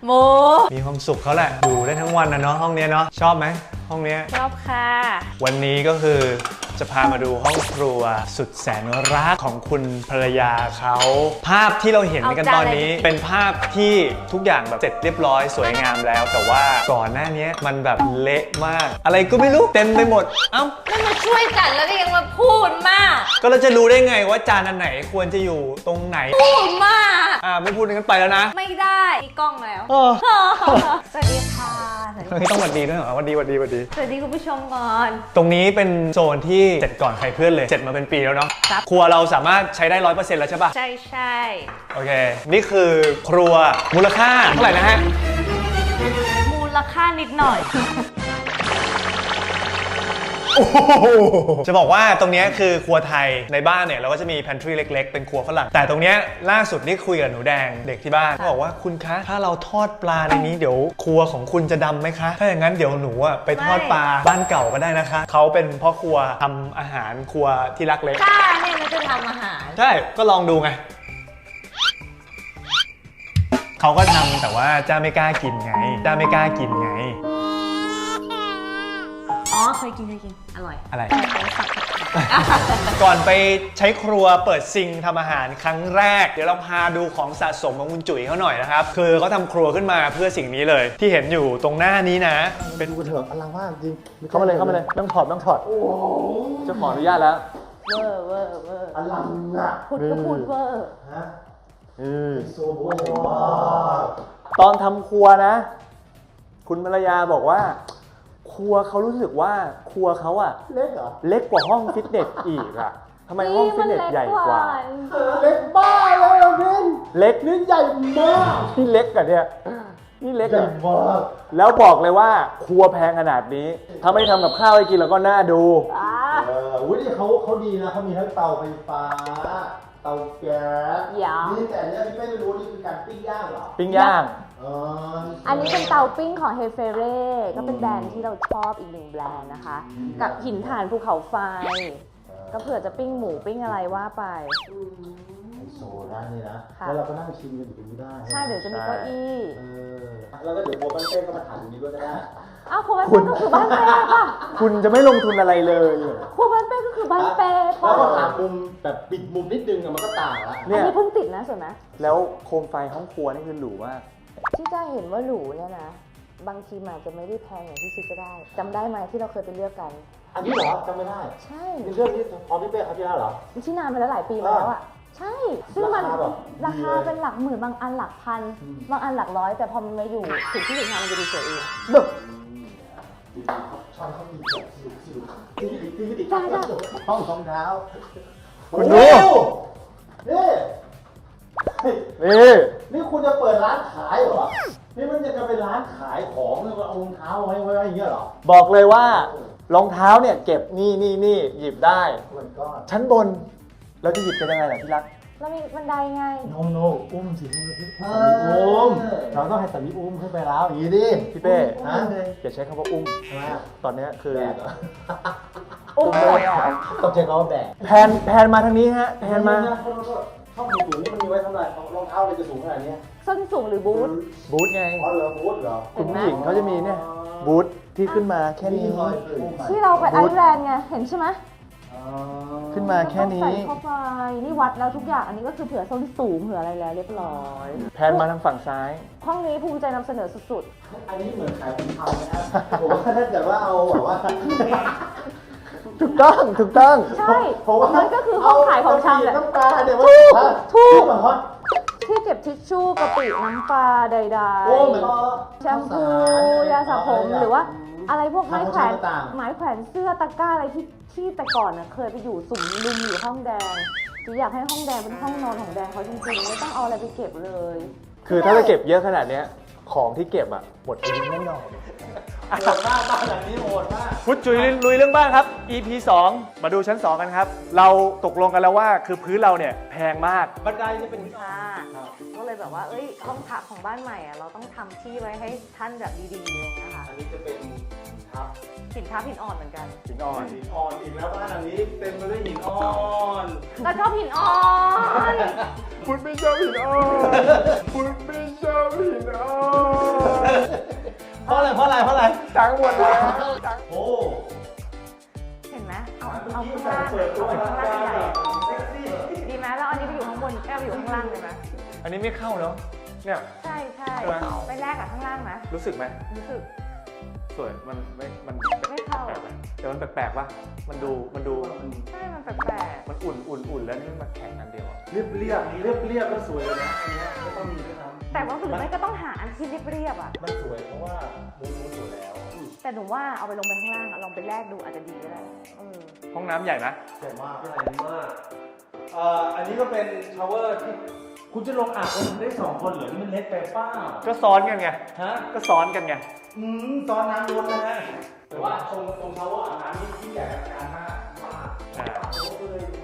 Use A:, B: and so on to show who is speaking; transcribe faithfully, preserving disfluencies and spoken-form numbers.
A: โม
B: มีความสุขเขาแหละอยู่ได้ทั้งวันนะเนาะห้องนี้เนาะชอบไหมห้องนี้
A: ชอบค่ะ
B: วันนี้ก็คือจะพามาดูห้องครัวสุดแสนรักของคุณภรรยาเขาภาพที่เราเห็นกันตอนนี้เป็นภาพที่ทุกอย่างแบบเสร็จเรียบร้อยสวยงามแล้ว แต่ว่าก่อนหน้านี้มันแบบเละมากอะไรก็ไม่รู้เต็มไปหมดเอ้า
A: ไม่มาช่วยกันแล้วก็ยังมาพูดมาก
B: ก็เราจะรู้ได้ไงว่าจานอันไหนควรจะอยู่ตรงไหน
A: พูดมาก
B: อ่าไม่พูดกันไปแล้วนะ
A: ไม่ได้มีกล้องแล้วสวัสดีค่ะ
B: ไม่ต้องหวัดดีด้วยเหรอหวัดดีหวัดดีหวัดดี
A: สวัสดีคุณผู้ชมก่อน
B: ตรงนี้เป็นโซนที่เสร็จก่อนใครเพื่อนเลยเสร็จมาเป็นปีแล้วเนาะครัวเราสามารถใช้ได้ร้อยเปอร์เซ็นต์แล้วใช่ปะ
A: ใช่ใช่
B: โอเคนี่คือครัวมูลค่าเท่าไหร่นะฮะ
A: มูลค่านิดหน่อย
B: จะบอกว่าตรงนี้คือครัวไทยในบ้านเนี่ยเราก็จะมี pantry เล็กๆเป็นครัวฝรั่งแต่ตรงนี้ล่าสุดนี่คุยกับหนูแดงเด็กที่บ้านเขาบอกว่าคุณคะถ้าเราทอดปลาในนี้เดี๋ยวครัวของคุณจะดำไหมคะถ้าอย่างนั้นเดี๋ยวหนูอะไปทอดปลาบ้านเก่าก็ได้นะคะเขาเป็นพ่อครัวทำอาหารครัวที่รักเล็ก
A: จ้าเนี่ยมันจะทำอาหาร
B: ใช่ก็ลองดูไงเขาก็ทำแต่ว่าจ้าไม่กล้ากินไงจ้าไม่กล้ากินไง
A: อ๋อเคยกินเคยกินอร่อย
B: อะไรก่อนไปใช้ครัวเปิดซิงทำอาหารครั้งแรกเดี๋ยวเราพาดูของสะสมของคุณจุ๋ยเขาหน่อยนะครับคือเขาทำครัวขึ้นมาเพื่อสิ่งนี้เลยที่เห็นอยู่ตรงหน้านี้นะ
C: เป็นดูเถอะอลังมากจริง
B: เข้ามาเลยเข้ามาเลยต้องถอดต้องถอดโอ้จะขออนุญาตแล้ว
A: เวอร์เวอร์เวอร์
C: อลังอ่ะ
A: พูดก็พูดเวอร์
C: ฮะอือโซโบ
B: ตอนทำครัวนะคุณภรรยาบอกว่าครัวเขารู้สึกว่าครัวเขาอะ
C: เล็กเหรอ
B: เล็กกว่าห้องฟิตเนสอีกอะทำไมห้องฟิตเนสใหญ่กว่า
C: เล็กบ้าเลยอ่ะพี่
B: เล็ก
C: นี่ใหญ่มาก
B: นี่เล็กอะเนี่ยนี่เล็ก
C: ใหญ่มาก
B: แล้วบอกเลยว่าครัวแพงขนาดนี้ถ้าไม่ทำกับข้าวให้กินแล้วก็น่าดู
C: เอออุ้ยนี่เขาเขาดีนะเขามีทั้งเตาไฟฟ้าเตาแก๊สนี่แต่เนี้ยที่ไม่รู้นี่คือการปิ้งย่างเหรอ
B: ปิ้งย่าง
A: อันนี้เป็นเตาปิ้งของเฮเฟเร่ก็เป็นแบรนด์ที่เราชอบอีกหนึ่งแบรนด์นะคะกับหินถ่านภูเขาไฟก็เผื่อจะปิ้งหมูปิ้งอะไรว่าไป
C: ไฮโซร้านนี้นะแล้วเราก็นั่งชิมกันอยู่ตรงนี้ได้
A: ใช่เดี๋ยวจะมีเก้าอี้
C: แล้วก็เดี๋ยวโบกันเต้ก็มาถ่ายตรงนี้ด้วยก็ได้
A: อ้าวครัวบ้านเป้ก็คือบ้านเป้ป่ะ
B: คุณจะไม่ลงทุนอะไรเลย
A: ครัวบ้านเป้ก็คือบ้านเป้
C: ป่ะแล้วก็หามุมแบบปิดมุมนิดนึงมันก็ต่างละ
A: อันนี้เพิ่งติดนะสวยไหม
B: แล้วโคมไฟห้องครัวนี่คือหรูมาก
A: ที่จะเห็นว่าหรูเนี่ยนะบางทีมันจะไม่ได้แพงอย่างที่คิดก็ได้จำได้ไหมที่เราเคยไปเลือกกัน
C: อันนี้เหรอจำไม่ได้
A: ใช่
C: เป็นเรื่องที่พอพี่เป้เขาที่แล้วเหรอ
A: ที่นานไปแล้วหลายปีแล้วอ่ะใช่ซึ่งมันราคาเป็นหลักหมื่นบางอันหลักพันบางอันหลักร้อยแต่พอมันมาอยู่ถึงที่ถึงทางมันจะดูสวยเอง
C: แบบช่องเขามีแบบสิวที่ที่ที่ติดห้องรองเท้า
B: คุณดู
C: นี่
B: นี่
C: นี่คุณจะเปิดร้านขายเหรอนี่มันจะเป็นร้านขายของแล้วก็เอารองเท้าไว้ไว้อย่างเงี้ยเหรอ
B: บอกเลยว่ารองเท้าเนี่ยเก็บนี่นี่นี่หยิบได้ชั้นบนเราจะหยิบเป็นยังไงล่ะพี่รัก
A: เรามีบันไดไง
C: โนโนอุ้มสิอุ้มเราต้องให้สามีอุ้มขึ้นไปแล้วอย่างนี้ดิ
B: พี่เป้ฮะอย่าใช้คำว่าอุ้มตอนนี้คือ
A: อุ้มเลย
C: ต้องใช้คำว่าแบก
B: แพนแพนมาทางนี้ฮะแพนมา
C: ช่องสูงนี่มันมีไว้ทำอะไรรองเท้าเลยจะสูงขนาดนี้
A: ส้นสูงหรือบูท
B: บูทไง
C: อ๋อเหรอบูทเหรอ
B: คุณผู้หญิงเขาจะมีเนี่ยบูทที่ขึ้นมาแค่นี้
A: ที่เราไปไอซ์แลนด์ไงเห็นใช่ไหม
B: ขึ้นมาแค่นี้ใส่
A: เข้าไปนี่วัดแล้วทุกอย่างอันนี้ก็คือเผื่อส้นสูงเผื่ออะไรแล้วเรียบร้อย
B: แพนมาทางฝั่งซ้าย
A: ห้องนี้ภูมิใจนำเสนอสุด
C: ๆอันนี้เหมือนขายเป็นทำนะครับผมว่าถ้าเกิดว่าเอาแบบว่า
B: ถูกต้องถูกต้อง
A: ใช่มันก็คือห้องขายของชำแหละ
C: น้ำปลาเดี๋ยว
A: ว่าถูกที่เก็บทิชชู่กะปิน้ำปลาใดๆแชมพูยาสระผมหรือว่าอะไรพวกไม้แขวนไม้แขวนเสื้อตะกร้าอะไรที่ที่แต่ก่อนน่ะเคยไปอยู่สุ่มลุมอยู่ห้องแดงจีอยากให้ห้องแดงเป็นห้องนอนของแดงเขาจริงๆไม่ต้องเอาอะไรไปเก็บเลย
B: คือถ้าจะเก็บเยอะขนาดนี้ของที่เก็บอ่ะหมดอายุแน่นอน
C: โหดมากบ้านหลังนี้โหดมาก
B: พุทธจุ๋ยลุยเรื่องบ้านครับ อี พี สองมาดูชั้นสองกันครับเราตกลงกันแล้วว่าคือพื้นเราเนี่ยแพงมาก
C: บันไดนี่เป็น
A: ค่ะก็เลยแบบว่าเอ้ยห้องพักของบ้านใหม่อ่ะเราต้องทำที่ไว้ให้ท่านแบบดีๆอะไรเงี้ยค่ะ
C: อันนี้จะเป็นทับ
A: หินทับหินอ่อนเหมือนกัน
B: หินอ่อน
C: หินอ่อนอีกแล้วบ้านหลังนี้เต็มไปด้วยหินอ่อน
A: ก็ชอบหินอ่อน
B: คุณไม่ชอบหินอ่อนคุณไม่เจ้าพี่น้อง
C: เพราะอะไรเพราะอะไรเพราะอะไร
B: จังหมดแล้ว
C: โอ้
A: เห็นไหมเอาเอาข้างล่างเอาข้างล่างใหญ่ดีไหมแล้วอันนี้ไปอยู่ข้างบนแก้วไปอยู่ข้างล่างเลยไหม
B: อันนี้ไม่เข้าเนาะเนี่ย
A: ใช่ใช่
B: ใช่ไหม
A: ไปแลกกับข้างล่างนะ
B: รู้สึกไหม
A: รู้สึก
B: สวยมันไม่มัน
A: ไม่เข้า
B: แปลกไหมแต่มันแปลกๆป่ะมันดูมันดู
A: ใช่มันแปลก
B: มันอุ่นอุ่นอุ่นแล้วนี่มันมาแข่งกันเดียวอะ
C: เรียบเรียบเรียบเรียบก็สวยเลยนะอันเนี้ยไม่ต้องมีด้วยซ้
A: ๆแต่ว่าหรือไม่ก็ต้องหาอันที่เรียบๆอ่ะ
C: ำมันสวยเพราะว่ามูนมูนสวยแล้ว
A: แต่หนูว่าเอาไปลงไปข้างล่างอะลองไปแลกดูอาจจะดีก็ได้เออ
B: ห้องน้ำใหญ่ไหม
C: สวยมาก
D: ใหญ่มากเอ่ออันนี้ก็เป็นชาวเวอร์ที่คุณจะลงอาบกันได้สองคนเหรอที่มันเล็กไปเป้า
B: ก็ซ้อนกันไง
D: ฮะ
B: ก็ซ้อนกันไง
D: อืมตอนน้ำล้นนะฮะแต่ว่าตรงตรงชาวเวอร์อาบน้ำนี่ที่ใหญ่อลังการมากมาก
B: อ่า
D: ผมก็เลย